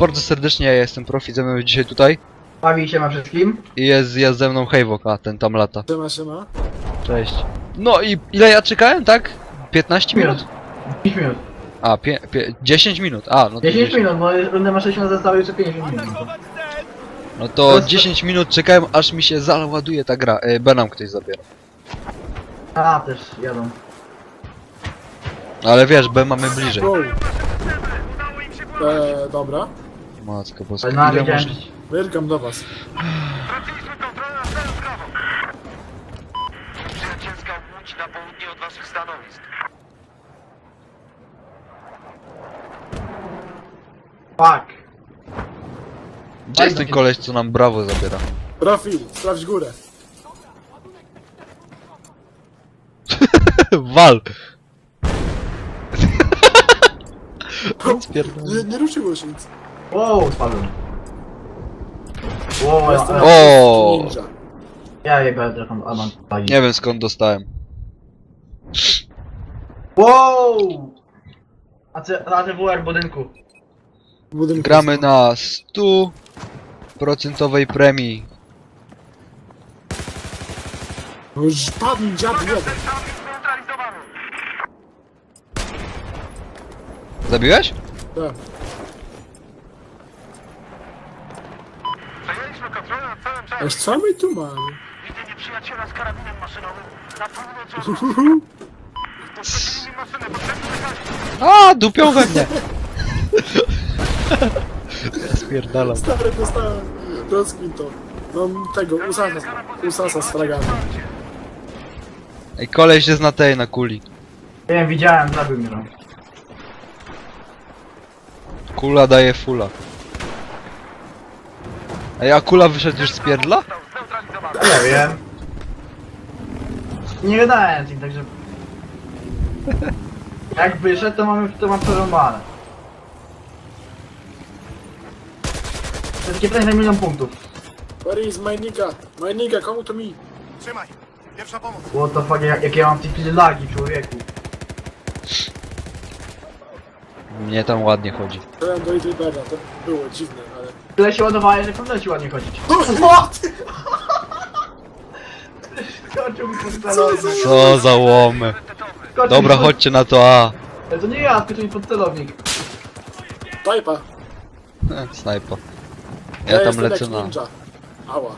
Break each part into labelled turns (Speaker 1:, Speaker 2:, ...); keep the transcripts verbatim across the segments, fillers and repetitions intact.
Speaker 1: bardzo serdecznie, ja jestem Profi, ze mną dzisiaj tutaj.
Speaker 2: Bawi się ma wszystkim.
Speaker 1: I jest, jest ze mną Hejwok, a ten tam lata.
Speaker 3: Siema, siema.
Speaker 1: Cześć. No i ile ja czekałem, tak? piętnaście minut?
Speaker 2: pięć minut.
Speaker 1: A, pie, pie, dziesięć minut, a no to
Speaker 2: dziesięć minut, bo rundę ma sześć minut, zostało jeszcze pięćdziesiąt minut.
Speaker 1: No to dziesięć minut czekałem, aż mi się załaduje ta gra. E, B nam ktoś zabiera.
Speaker 2: A, też jadą.
Speaker 1: Ale wiesz, B mamy bliżej.
Speaker 3: Wow. Eee, dobra.
Speaker 1: Matko boska,
Speaker 2: Ale na
Speaker 1: ile
Speaker 2: wiedziałem,
Speaker 1: można...
Speaker 3: Wyrkam do was.
Speaker 4: Straciliśmy kontrolę nad całym sprawą. Przyjacielska łódź na południe od waszych stanowisk.
Speaker 2: Fuck.
Speaker 1: Gdzie jest ten koleś, co nam brawo zabiera?
Speaker 3: Profil, sprawdź górę.
Speaker 1: Wal!
Speaker 3: Nie, nie ruszyło się nic.
Speaker 2: Wow, spadłem. Wow,
Speaker 3: Jestem
Speaker 2: ja,
Speaker 1: O!
Speaker 3: ninja.
Speaker 2: ja jego telefon, a mam bagi.
Speaker 1: Nie wiem skąd dostałem.
Speaker 2: Wow! A C A T W R w budynku.
Speaker 3: W budynku
Speaker 1: Gramy na stu procentowej premii.
Speaker 3: No już padł dziad jeden.
Speaker 4: Tam zneutralizowany.
Speaker 1: Zabiłeś?
Speaker 3: Tak.
Speaker 4: Przejęliśmy kontrolę nad całym
Speaker 3: Aż
Speaker 4: czasem.
Speaker 3: co my tu mamy?
Speaker 4: Widzę nieprzyjaciela z karabinem maszynowym na północ od nas. Postawili maszynę, potrzebny lekarz.
Speaker 1: A, dupią we mnie! Spierdalam.
Speaker 3: Stary, dostałem. Rozkmin to. Mam tego, usasa, usasa z fragami.
Speaker 1: Ej, koleś jest na tej, na kuli.
Speaker 2: Wiem, widziałem, zabił mnie tam.
Speaker 1: Kula daje fula. Ej, a kula wyszedł już z pierdla?
Speaker 4: Został zneutralizowany.
Speaker 2: Nie wiem. Nie gadałem z nim, także... Jak wyszedł, to mamy, to mam przerąbane. To jest takie pytanie na milion punktów.
Speaker 3: Where is my nigga? My nigga, come to me.
Speaker 4: Trzymaj. Pierwsza pomoc.
Speaker 2: What the fuck, jak, jak ja mam takie lagi, człowieku.
Speaker 1: Mnie tam ładnie chodzi.
Speaker 3: Byłem do Idribera, to było dziwne, ale...
Speaker 2: Tyle się ładowałeś, że powinno ci ładnie chodzić.
Speaker 3: What?
Speaker 2: Skoczył mi pod
Speaker 3: Co
Speaker 2: celownik.
Speaker 3: za...
Speaker 1: Co za łomy.
Speaker 2: Skoczył
Speaker 1: Dobra,
Speaker 2: mi pod...
Speaker 1: chodźcie na to A.
Speaker 2: Ale to nie ja, skoczył mi pod celownik.
Speaker 3: Tajpa.
Speaker 1: E, Snajpa. Ja tam
Speaker 3: jestem
Speaker 1: lecę
Speaker 3: jak
Speaker 1: na...
Speaker 3: ninja. Ała.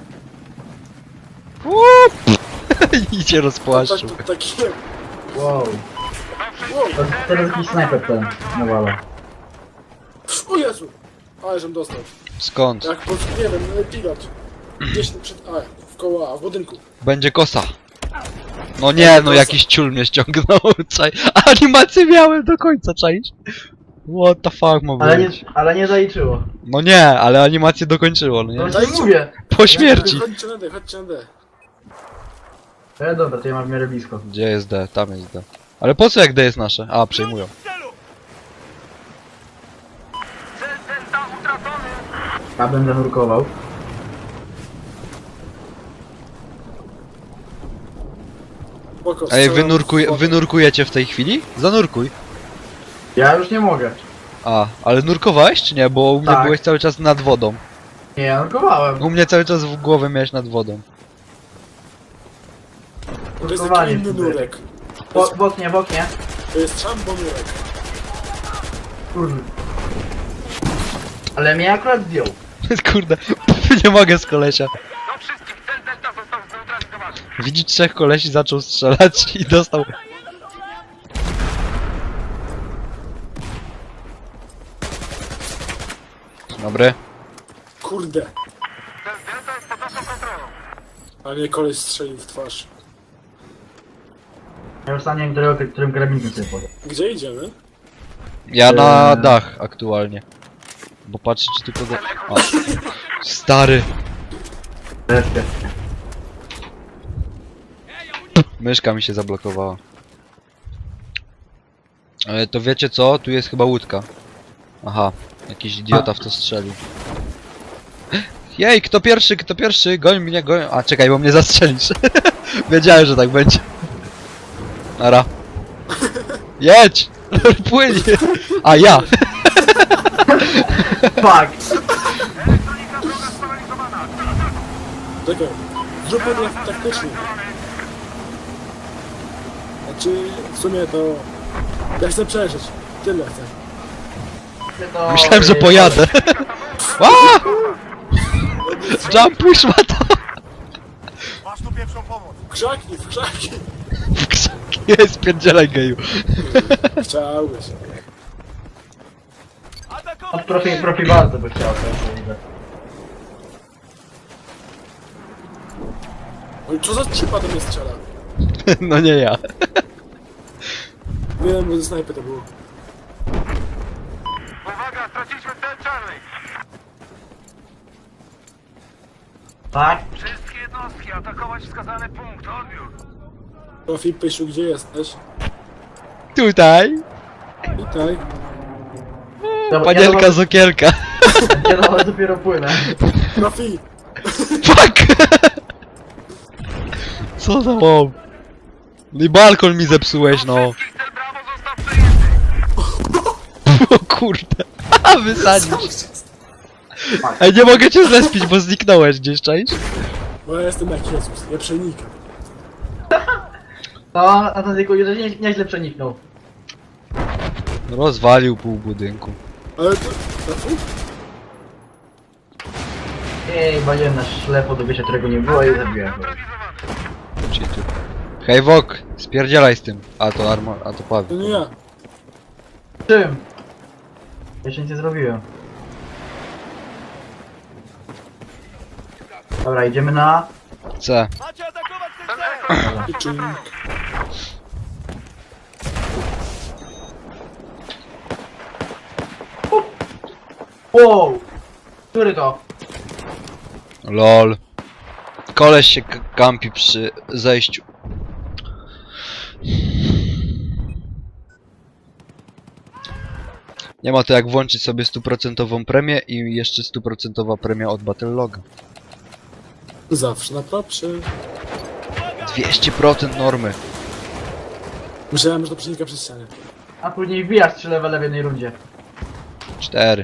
Speaker 1: Łup! I cię
Speaker 3: Tak,
Speaker 1: rozpłaszczył.
Speaker 3: tak, taki...
Speaker 2: Wow.
Speaker 3: Wow.
Speaker 2: To teraz jakiś snajper ten, nawala.
Speaker 3: O Jezu! Ale żem dostał.
Speaker 1: Skąd?
Speaker 3: Jak po... nie wiem, pilot. Gdzieś tu przed... A, w koło A, w budynku.
Speaker 1: Będzie kosa. No nie, no jakiś ciul mnie ściągnął. Czaj. Animację miałem do końca, czaisz? What the fuck ma
Speaker 2: Ale nie,
Speaker 1: być?
Speaker 2: ale nie zaliczyło.
Speaker 1: No nie, ale animację dokończyło, no
Speaker 2: No
Speaker 1: nie?
Speaker 2: to ci mówię.
Speaker 1: Po śmierci.
Speaker 3: Chodźcie na D, chodźcie na D.
Speaker 2: E, dobra, to ja mam w miarę blisko.
Speaker 1: Gdzie jest D? Tam jest D. Ale po co jak D jest nasze? A, przejmują.
Speaker 4: Cel Delta utracony.
Speaker 2: Ja będę nurkował.
Speaker 3: Spoko,
Speaker 1: Ej,
Speaker 3: strzelam
Speaker 1: wynurkuj,
Speaker 3: w wodę.
Speaker 1: wynurkujecie w tej chwili? Zanurkuj.
Speaker 2: Ja już nie mogę.
Speaker 1: A, ale nurkowałeś czy nie? Bo u mnie
Speaker 2: Tak.
Speaker 1: byłeś cały czas nad wodą.
Speaker 2: Nie, ja nurkowałem.
Speaker 1: U mnie cały czas w głowę miałeś nad wodą.
Speaker 3: To jest taki
Speaker 2: Nurkowanie
Speaker 3: inny
Speaker 2: tutaj.
Speaker 3: nurek.
Speaker 2: Bo, w oknie, w oknie.
Speaker 3: To jest szambo nurek.
Speaker 2: Kurde. Ale mnie akurat zdjął.
Speaker 1: Kurde, nie mogę z kolesia.
Speaker 4: Do wszystkich. Cel Delta został zneutralizowany.
Speaker 1: Widzi trzech kolesi, zaczął strzelać i dostał... Dobry.
Speaker 3: Kurde.
Speaker 4: Cel Delta jest pod naszą kontrolą.
Speaker 3: A mnie koleś strzelił w twarz.
Speaker 2: Ja już sam nie wiem, którego, którym karabinkiem sobie podał.
Speaker 3: Gdzie idziemy?
Speaker 1: Ja na
Speaker 2: Eee.
Speaker 1: dach aktualnie. Bo patrzę czy tylko go... A. Stary.
Speaker 2: Wreszcie.
Speaker 1: Myszka mi się zablokowała. Ale to wiecie co? Tu jest chyba łódka. Aha. Jakiś idiota w to strzelił. Jej, kto pierwszy, kto pierwszy? Goń mnie, goń... A, czekaj, bo mnie zastrzelisz. Wiedziałem, że tak będzie. Nara. Jedź! Płyń! A ja!
Speaker 2: Fuck!
Speaker 4: Elektronika droga sparaliżowana.
Speaker 3: Czekaj, zróbmy to tak taktycznie. Znaczy, w sumie to... Ja chcę przeżyć. Tyle chcę.
Speaker 2: To...
Speaker 1: Myślałem, że pojadę. A! Jump push ma to.
Speaker 4: Masz tu pierwszą pomoc.
Speaker 3: W krzaki, w krzaki.
Speaker 1: W krzaki jest, pierdzielaj geju.
Speaker 3: Chciałbyś.
Speaker 2: Od profi, profi bardzo by chciał to widzę.
Speaker 3: Oj, co za cipa do mnie strzela?
Speaker 1: No nie ja.
Speaker 3: Wiem, bo ze snajpy to było.
Speaker 4: Uwaga, straciliśmy cel Charlie.
Speaker 2: Tak?
Speaker 4: Wszystkie jednostki atakować wskazany punkt. Odbiór.
Speaker 3: Profi, Pysiu, gdzie jesteś?
Speaker 1: Tutaj.
Speaker 3: Witaj.
Speaker 2: Dobra,
Speaker 1: Panielka
Speaker 2: ja
Speaker 1: z okielka.
Speaker 2: do, ja do, dopiero płynę.
Speaker 3: Profi!
Speaker 1: Fuck! Co za mob? No i balkon mi zepsułeś, no.
Speaker 4: Wszystkich cel Brawo został przejęty.
Speaker 1: O kurde. A wysadzisz. Ej, nie mogę cię zlespić, bo zniknąłeś gdzieś, czaisz?
Speaker 3: Bo ja jestem jak Jezus, ja przenikam.
Speaker 2: No, a ten tylko nie, nieźle przeniknął.
Speaker 1: Rozwalił pół budynku.
Speaker 3: Ale to... Profi?
Speaker 2: Ej, waliłem na ślepo do wyjścia, którego nie było i zabiłem go.
Speaker 4: Neutralizowany.
Speaker 1: Czyli tu. Hej Wok, spierdzielaj z tym. A to armor, a to
Speaker 3: To
Speaker 1: Paweł.
Speaker 3: nie ja.
Speaker 2: Czym? Jeszcze nic nie zrobiłem. Dobra, idziemy na...
Speaker 1: C.
Speaker 4: Macie atakować ten cel.
Speaker 3: I czym?
Speaker 2: Wow! Który to?
Speaker 1: Lol. Koleś się k- kampi przy zejściu. Nie ma to jak włączyć sobie stuprocentową premię i jeszcze stuprocentowa premia od Battleloga.
Speaker 3: Zawsze na propsie.
Speaker 1: dwieście procent normy.
Speaker 3: Myślałem, że to przenika przez ścianę.
Speaker 2: A później wbijasz trzy levele w jednej rundzie.
Speaker 1: cztery.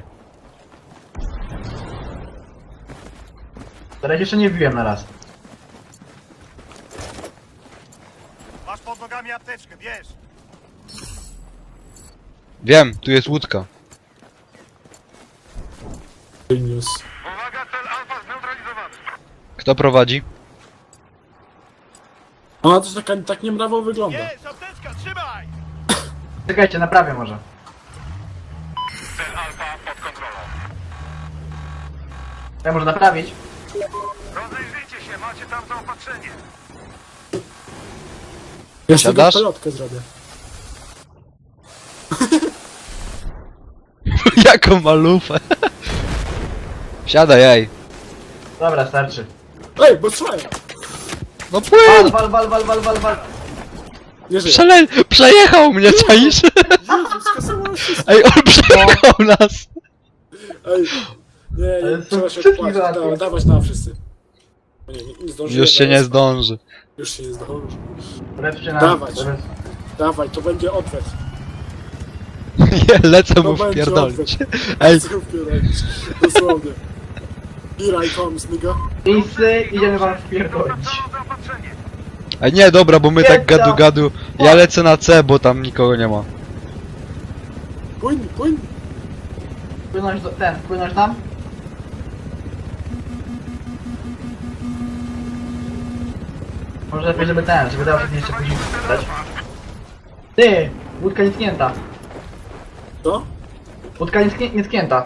Speaker 2: Teraz jeszcze nie wbiłem na raz.
Speaker 4: Masz pod nogami apteczkę, bierz.
Speaker 1: Wiem, tu jest łódka.
Speaker 3: Genius.
Speaker 4: Uwaga, cel Alfa zneutralizowany.
Speaker 1: Kto prowadzi?
Speaker 3: Ona też taka, tak niemrawo wygląda.
Speaker 4: Jest, apteczka, trzymaj.
Speaker 2: Czekajcie, naprawię może.
Speaker 4: Cel Alfa pod kontrolą.
Speaker 2: Ja może naprawić?
Speaker 4: Rozejrzyjcie się, macie tam zaopatrzenie.
Speaker 3: Ja z tego
Speaker 1: Siadasz?
Speaker 3: pelotkę zrobię.
Speaker 1: Jaką malufę. Siadaj, ej.
Speaker 2: Dobra, starczy.
Speaker 3: Ej, bo słuchaj!
Speaker 1: No
Speaker 2: Wal,
Speaker 1: płyń!
Speaker 2: wal, wal, wal, wal, wal, wal.
Speaker 3: Nie żyję.
Speaker 1: Przele przejechał mnie, czaisz?
Speaker 3: Jezus, skasowało się.
Speaker 1: Ej, on przejechał nas!
Speaker 3: Ej, nie,
Speaker 2: Ale
Speaker 3: nie,
Speaker 2: są
Speaker 3: trzeba się
Speaker 2: wszystkich
Speaker 3: opłacić.
Speaker 2: załatwię.
Speaker 3: Dawaj, dawać na wszyscy. O nie, nie, nie zdążyłem.
Speaker 1: Już się nie
Speaker 3: teraz.
Speaker 1: zdąży.
Speaker 3: Już się nie zdąży.
Speaker 2: Lepszy na...
Speaker 3: Dawać.
Speaker 2: lepszy-
Speaker 3: Dawaj, to będzie odwet.
Speaker 1: Nie, lecę
Speaker 3: To
Speaker 1: mu
Speaker 3: będzie
Speaker 1: wpierdolić.
Speaker 3: odwet.
Speaker 1: Ej,
Speaker 3: Co wpierdolić? Dosłownie. Here I comes, nigga.
Speaker 2: Miejscy, idziemy wam wpierdolić.
Speaker 4: Celu zaopatrzenie.
Speaker 1: ej nie, dobra, bo my tak
Speaker 2: Piękna.
Speaker 1: gadu gadu. Ja lecę na C, bo tam nikogo nie ma.
Speaker 3: Płyń, płyń.
Speaker 2: Płynąć do... ten, płynąć tam? Może lepiej, żeby ten, żeby dał się jeszcze później dać. Ty! Łódka nietknięta.
Speaker 3: Co?
Speaker 2: Łódka nietknię, nietknięta.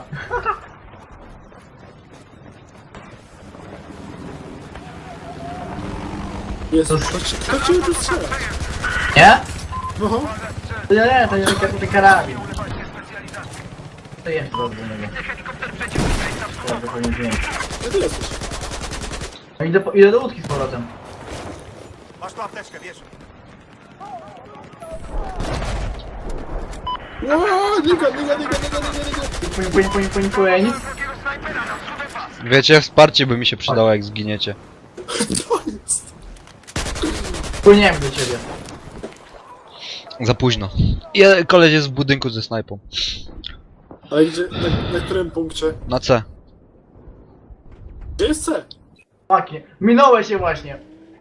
Speaker 3: Jest.
Speaker 2: To-
Speaker 3: Kto, ci- kto cię tu strzela?
Speaker 2: Nie?
Speaker 3: No.
Speaker 2: To nie, nie, to nie to nie karabin. To jest dobrze do niego. Ja tylko nie wiem.
Speaker 3: Gdzie ty jesteś?
Speaker 2: No idę, po, idę do łódki z powrotem.
Speaker 4: Masz tu apteczkę, bierz.
Speaker 3: Ło, nigga, nigga, nigga, nigga, nigga, nigga.
Speaker 2: Płyń, płyń, płyń, płyń, płyń.
Speaker 4: Drugiego snajpera na wschód pas.
Speaker 1: Wiecie, wsparcie by mi się przydało, jak zginiecie.
Speaker 3: To jest.
Speaker 2: Płyniemy do ciebie.
Speaker 1: Za późno. Je, koleś jest w budynku ze snajpą.
Speaker 3: Ale gdzie, na, na którym punkcie?
Speaker 1: Na C.
Speaker 3: Gdzie jest C?
Speaker 2: Fucking. Minąłeś się właśnie.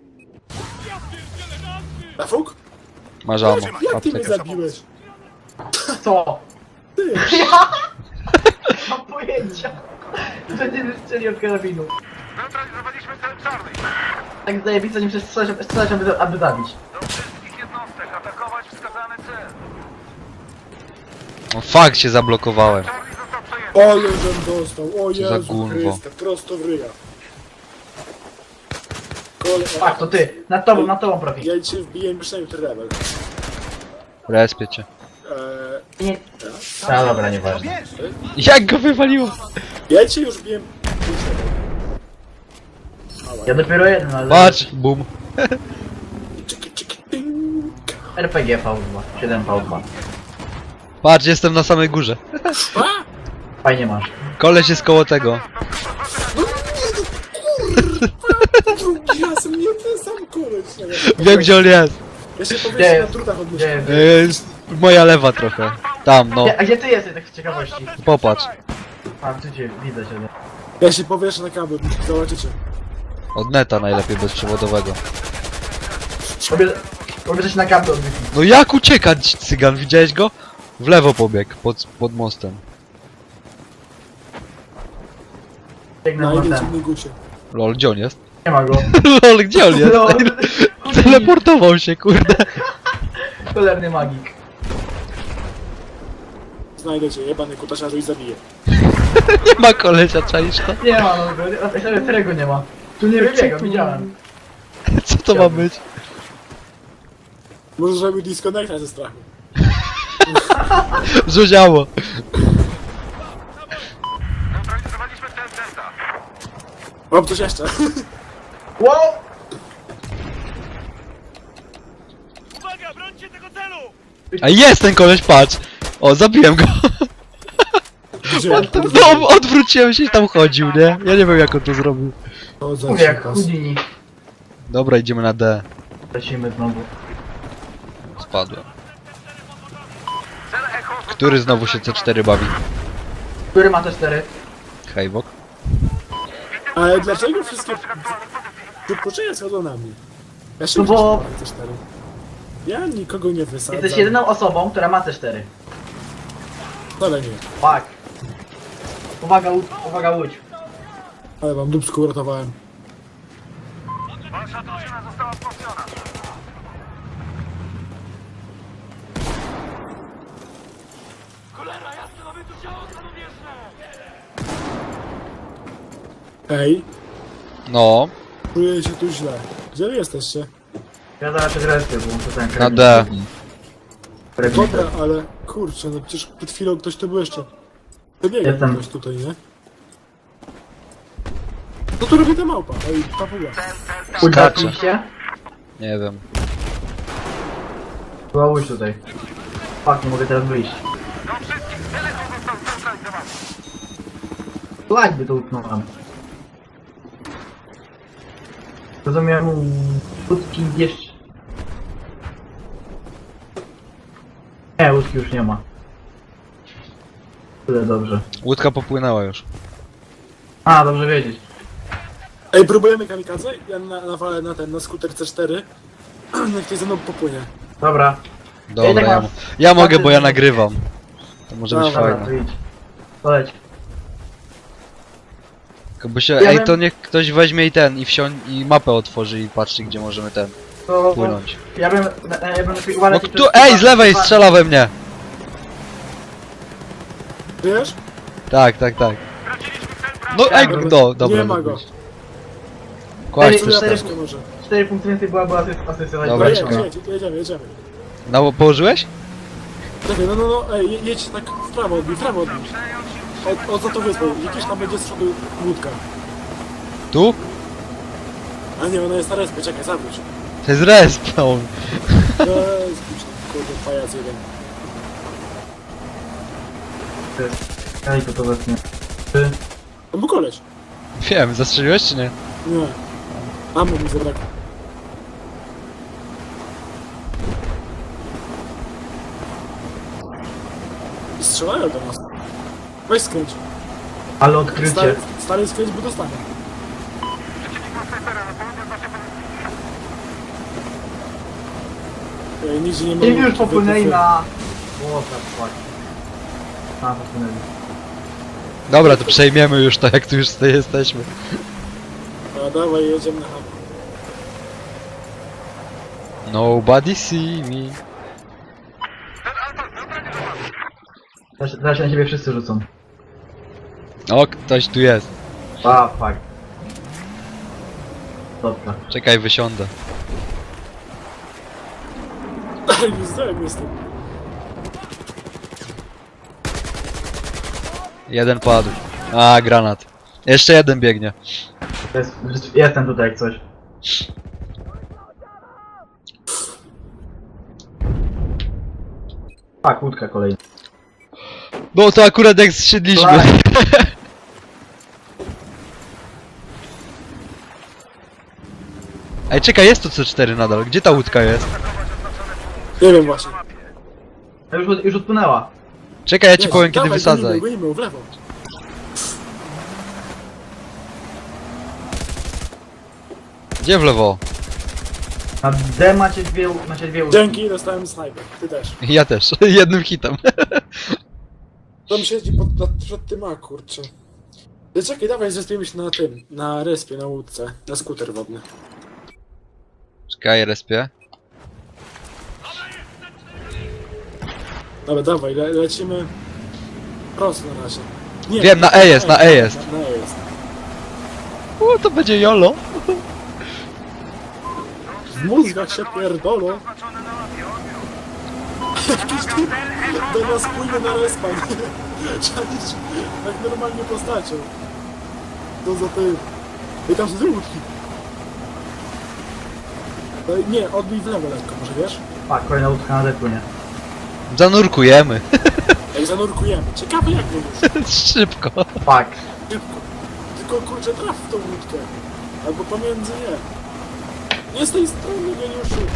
Speaker 3: Na fuk?
Speaker 1: Masz ammo.
Speaker 3: Jak ty mnie
Speaker 1: Aptekę.
Speaker 3: zabiłeś?
Speaker 2: Co?
Speaker 3: Ty!
Speaker 2: Nie mam pojęcia. Będziemy strzeli od karabinu.
Speaker 4: Neutralizowaliśmy cel czarny.
Speaker 2: Tak zajebiste, nim strzelać, strzelać aby, aby zabić.
Speaker 4: Do wszystkich jednostek atakować wskazany cel.
Speaker 1: O fuck, się zablokowałem.
Speaker 4: Charlie został przejęty.
Speaker 3: Ale żem dostał, o
Speaker 1: Co za
Speaker 3: Jezu
Speaker 1: gunwo.
Speaker 3: Chryste, prosto w ryja. Kole...
Speaker 2: Tak, to ty. Nad tobą, nad tobą profil.
Speaker 3: Ja cię wbiję myślałem, że rebel.
Speaker 1: Respię cię.
Speaker 3: Eee,
Speaker 2: Nie. A dobra, nieważne.
Speaker 1: Jak go wywaliło?
Speaker 3: ja cię już biję...
Speaker 2: Ja dopiero jeden, ale...
Speaker 1: Patrz, bum.
Speaker 3: Czyki, czyki, ting.
Speaker 2: R P G V dwa. siedem V dwa.
Speaker 1: Patrz, jestem na samej górze.
Speaker 3: A!
Speaker 2: Fajnie masz.
Speaker 1: Koleś jest koło tego.
Speaker 3: Drugi raz mnie ten sam koleś.
Speaker 1: Wiem gdzie on jest.
Speaker 3: Ja się
Speaker 2: Gdzie
Speaker 3: powieszę na
Speaker 2: jest?
Speaker 3: drutach od
Speaker 2: Gdzie
Speaker 3: myszki.
Speaker 2: jest?
Speaker 1: Yy, moja lewa trochę. Tam, no.
Speaker 2: Gdzie, a gdzie ty jesteś, tak z ciekawości?
Speaker 1: Popatrz.
Speaker 2: A, tu cię, widzę cię. no.
Speaker 3: Ja się powieszę na kabel, zobaczycie.
Speaker 1: Od neta najlepiej bezprzewodowego.
Speaker 2: Obie... Obierzesz na kabel od Wi-Fi.
Speaker 1: No jak uciekać, cygan? Widziałeś go? W lewo pobiegł, pod, pod mostem.
Speaker 2: Biegnę
Speaker 3: Na
Speaker 2: na ten.
Speaker 3: intensywnej gucie.
Speaker 1: Lol, gdzie on jest?
Speaker 2: Nie ma go.
Speaker 1: Lol, gdzie on jest?
Speaker 2: No,
Speaker 1: Teleportował się, kurde.
Speaker 2: cholerny magik.
Speaker 3: Znajdę cię, jebany kutasiarzu i zabiję.
Speaker 1: Nie ma kolesia, czaisz to?
Speaker 2: Nie ma, no, go- serio, którego nie ma. Tu nie wybiega, widziałem.
Speaker 1: Co to ma być?
Speaker 3: Może zrobił disconnecta ze strachu.
Speaker 1: Rzuciało.
Speaker 4: Neutralizowaliśmy cel Delta.
Speaker 3: Mam coś jeszcze.
Speaker 2: Wow!
Speaker 4: Uwaga, brońcie tego celu!
Speaker 1: A jest ten koleś, patrz. O, zabiłem go.
Speaker 3: Gdzie?
Speaker 1: On tam, no, odwróciłem się i tam chodził, nie? Ja nie wiem jak on to zrobił.
Speaker 3: O, za
Speaker 2: Mówię jak
Speaker 3: cikas.
Speaker 2: Houdini.
Speaker 1: Dobra, idziemy na D.
Speaker 2: Lecimy znowu.
Speaker 1: Spadłem.
Speaker 4: Cel Echo
Speaker 1: Który znowu się C cztery bawi?
Speaker 2: Który ma te cztery?
Speaker 1: Hejbok.
Speaker 3: Ale dlaczego wszystkie wypoczęcia schodzą na mnie? Ja się
Speaker 2: No bo-
Speaker 3: nie te cztery. Ja nikogo nie wysadzam.
Speaker 2: Jesteś jedyną osobą, która ma te cztery.
Speaker 3: Ale nie.
Speaker 2: Tak. Uwaga, łódź, uwaga, łódź.
Speaker 3: Ale wam dupsku uratowałem.
Speaker 4: Wasza drużyna została wzmocniona. Cholera, jasne, mamy tu ciało samobieżne!
Speaker 3: Ej,
Speaker 1: No,
Speaker 3: czuję się tu źle. Gdzie wy jesteście?
Speaker 2: Ja zaraz się zrespię, bo muszę ten
Speaker 1: na D.
Speaker 3: Dobra, ale kurczę, no przecież przed chwilą ktoś tu był jeszcze. Wybiegał
Speaker 2: Jestem.
Speaker 3: ktoś tutaj, nie? Co tu robi ta małpa? Ej, papuga.
Speaker 1: Skacze.
Speaker 2: się?
Speaker 1: Nie wiem.
Speaker 2: Była łódź tutaj. Fuck, nie mogę teraz wyjść.
Speaker 4: Do wszystkich, cel Echo został zneutralizowany.
Speaker 2: Flag by to utknąłem. Rozumiem, łódki jeszcze... Nie, łódki już nie ma. Tyle dobrze.
Speaker 1: Łódka popłynęła już.
Speaker 2: A, dobrze wiedzieć.
Speaker 3: Ej, próbujemy kamikadze? Ja na, nawalę na ten, na skuter C cztery. Niech ktoś ze mną popłynie.
Speaker 2: Dobra.
Speaker 1: Dobra,
Speaker 2: tak
Speaker 1: ja,
Speaker 2: mam-
Speaker 1: mo- ja mogę,
Speaker 2: mam-
Speaker 1: bo ja nagrywam. To może być
Speaker 3: Dobra,
Speaker 2: Dobra, to
Speaker 1: fajne.
Speaker 2: idź. Poleć.
Speaker 1: Tylko by się,
Speaker 2: Ja
Speaker 1: ej,
Speaker 2: bym-
Speaker 1: to niech ktoś weźmie i ten, i wsiądź, i mapę otworzy i patrzy, gdzie możemy ten,
Speaker 2: To,
Speaker 1: płynąć.
Speaker 2: ja bym, ja bym lepiej
Speaker 1: No
Speaker 2: uważać...
Speaker 1: tu, ej, z lewej strzela we mnie!
Speaker 3: Wiesz?
Speaker 1: Tak, tak, tak.
Speaker 4: Straciliśmy cel Bravo.
Speaker 1: No, ej,
Speaker 3: Dobra,
Speaker 1: no, dobra.
Speaker 3: nie ma go.
Speaker 1: Kładź
Speaker 2: Ej,
Speaker 1: coś
Speaker 2: cztery-
Speaker 1: tam.
Speaker 3: Troszkę może.
Speaker 2: cztery punkty więcej była, była asyst- asysta.
Speaker 1: Dobra,
Speaker 3: Dobra,
Speaker 1: czekaj.
Speaker 3: jedź, jedź, jedziemy, jedziemy.
Speaker 1: No, położyłeś?
Speaker 3: Czekaj, no, no, no, ej, je- jedź tak w prawo odbij, w prawo odbij. Od, od za tą wyspą, jakieś tam będzie z przodu łódka.
Speaker 1: Tu?
Speaker 3: A nie, ona jest na respie, czekaj, zawróć.
Speaker 1: To jest respawn.
Speaker 3: Eee, zbić, kurde, pajac jeden.
Speaker 2: Ej, to to wezmę. Ty.
Speaker 3: On był koleś.
Speaker 1: Wiem, zastrzeliłeś czy nie?
Speaker 3: Nie. Amo mi zabrakło. Strzelają do nas. Weź skręć.
Speaker 2: Ale odkrycie.
Speaker 3: Stary, stary skręć, bo dostanę.
Speaker 4: Przeciwnik ma snajpera na południe od naszej pozycji.
Speaker 3: Ej, nigdzie nie ma...
Speaker 2: I już popłynęli na... Łota, fuck. A, popłynęli.
Speaker 1: Dobra, to przejmiemy już to, jak tu już tutaj jesteśmy.
Speaker 3: A dawaj, jedziemy na hama.
Speaker 1: Nobody see me.
Speaker 2: Teraz, teraz się na ciebie wszyscy rzucą.
Speaker 1: O, ktoś tu jest.
Speaker 2: A, fuck. Dobra.
Speaker 1: Czekaj, wysiądę.
Speaker 3: Nie zdałem jestem.
Speaker 1: Jeden padł. A, granat. Jeszcze jeden biegnie.
Speaker 2: To jest, jestem tutaj jak coś. A, kłódka kolejna.
Speaker 1: No to akurat jak zsiedliśmy.
Speaker 2: Tak.
Speaker 1: Ej, czekaj, jest tu C cztery nadal. Gdzie ta łódka jest?
Speaker 3: Nie wiem właśnie.
Speaker 2: A już, już odpłynęła.
Speaker 1: Czekaj, ja ci
Speaker 3: Jedź,
Speaker 1: powiem kiedy
Speaker 3: dawaj,
Speaker 1: wysadzaj.
Speaker 3: Gonimy, gonimy, w lewo.
Speaker 1: Gdzie w lewo?
Speaker 2: Na D macie dwie, macie dwie łódki.
Speaker 3: Dzięki, dostałem snajper. Ty też.
Speaker 1: Ja też. Jednym hitem.
Speaker 3: Tam siedzi pod, nad, przed tym, a kurczę. Ty czekaj, dawaj, zespiemy się na tym, na respie, na łódce, na skuter wodny.
Speaker 1: Czekaj, respie.
Speaker 3: Dobra, dawaj, le, lecimy prosto na razie. Nie,
Speaker 1: Wiem, na E jest, na E jest.
Speaker 3: Na, na E jest.
Speaker 1: O, to będzie jolo.
Speaker 3: W mózgach się pierdolą.
Speaker 4: Oznaczony na mapie, odbiór.
Speaker 3: Jakiś typ do nas płynie na respa. Czaisz, jak normalnie postacią. To za tym. I tam są te łódki. No i nie, odbij w lewo lekko, może wiesz?
Speaker 2: A, kolejna łódka na D płynie.
Speaker 1: Zanurkujemy.
Speaker 3: Jak zanurkujemy. Ciekawe jak to już.
Speaker 1: Szybko.
Speaker 2: Fuck.
Speaker 3: Szybko. Tylko kurczę traf w tą łódkę. Albo pomiędzy nie. Nie z tej strony, geniuszu.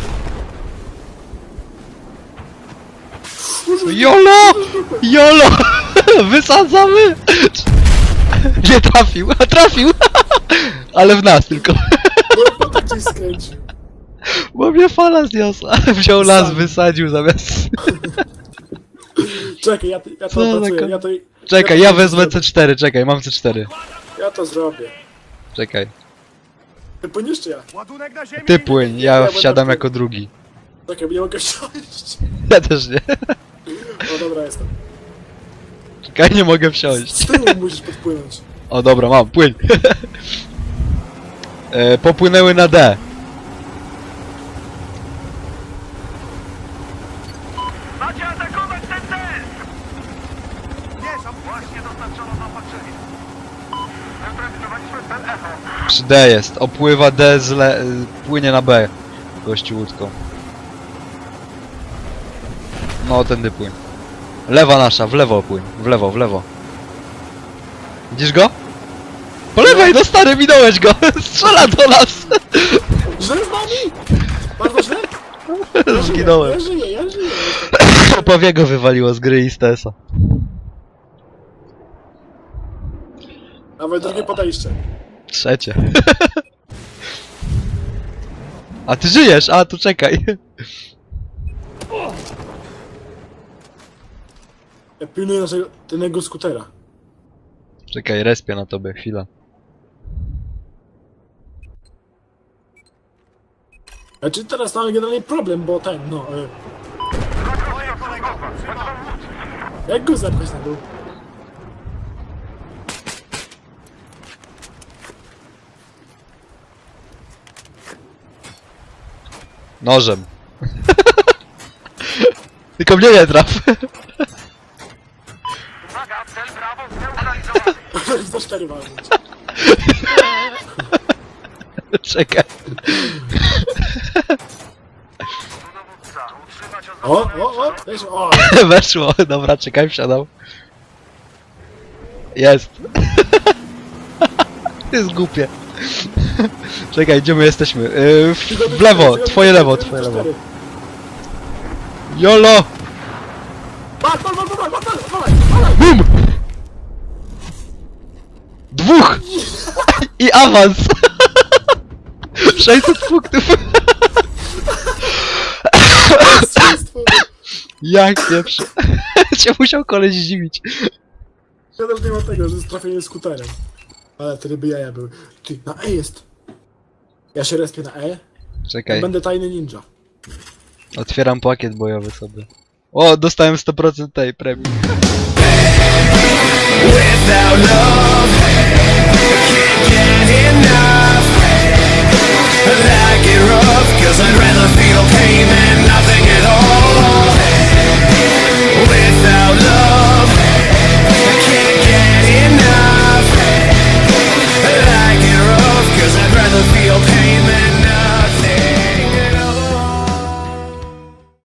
Speaker 1: Jolo! Jolo! Wysadzamy! Nie trafił, a trafił! Ale w nas tylko.
Speaker 3: No to gdzieś skręcił.
Speaker 1: Bo mnie fala zniosła. Wziął las, wysadził zamiast...
Speaker 3: Czekaj, ja, ja to
Speaker 1: Co za
Speaker 3: opracuję,
Speaker 1: ko-
Speaker 3: ja to...
Speaker 1: Czekaj,
Speaker 3: to
Speaker 1: ja wezmę
Speaker 3: zrobię.
Speaker 1: C cztery, czekaj, mam C cztery.
Speaker 3: Ja to zrobię.
Speaker 1: Czekaj.
Speaker 3: Ty płyniesz czy ja?
Speaker 4: Ładunek na ziemię.
Speaker 1: Ty płyń, ja
Speaker 3: będę
Speaker 1: wsiadam
Speaker 3: płył.
Speaker 1: jako drugi.
Speaker 3: Czekaj, bo nie mogę wsiąść.
Speaker 1: Ja też nie.
Speaker 3: O dobra, jestem.
Speaker 1: Czekaj, nie mogę wsiąść.
Speaker 3: Z tyłu musisz podpłynąć.
Speaker 1: O dobra, mam, płyń. e, popłynęły na D.
Speaker 4: Macie atakować ten cel! Nie, są właśnie dostarczono zaopatrzenie. Neutralizowaliśmy cel Echo.
Speaker 1: Przy D jest, opływa D, z le... y, płynie na B. Gościu łódką. No, tędy płyń. Lewa nasza, w lewo płyń. W lewo, w lewo. Widzisz go? Po lewej, no stary, minąłeś go! Strzela do nas!
Speaker 3: Źle z nami! Bardzo źle?
Speaker 1: Zginąłem.
Speaker 3: Ja żyję, ja żyję.
Speaker 1: Powiego wywaliło z gry i z T S a.
Speaker 3: Nawet drugie podejście.
Speaker 1: Trzecie. A ty żyjesz? A, tu czekaj.
Speaker 3: Ja pilnuję naszego, tego skutera.
Speaker 1: Czekaj, respię na tobie, chwila.
Speaker 3: Znaczy teraz mamy generalnie problem, bo ten, no... Y,
Speaker 4: Moja kolegowa, trzymam łódź.
Speaker 3: jak go zepchać na dół?
Speaker 1: Nożem. Tylko mnie nie traf.
Speaker 4: Uwaga, cel Brawo zneutralizowany.
Speaker 3: Za cztery walnąć.
Speaker 1: Czekaj.
Speaker 4: Dowódca, utrzymać
Speaker 3: O,
Speaker 4: oznaczone
Speaker 3: o, o, weź, o!
Speaker 1: Weszło. Dobra, czekaj, wsiadam. Jest. Jest głupie. Czekaj, gdzie my jesteśmy? Yy, w, w lewo, twoje lewo, twoje lewo. Jolo!
Speaker 3: Wal, wal, wal, wal, wal, wal, wal, wal,
Speaker 1: Bum! Dwóch! I awans! sześćset punktów!
Speaker 3: Zwycięstwo.
Speaker 1: Jak pierwszy. Cię musiał koleś zdziwić.
Speaker 3: Ja też nie ma tego, że jest trafienie skuterem. Ale te ryby jaja były. Ty, na E jest. Ja się respię na E.
Speaker 1: Czekaj,
Speaker 3: Będę tajny ninja.
Speaker 1: otwieram pakiet bojowy sobie. O, dostałem sto procent tej premii.
Speaker 5: Without love, I can't get enough.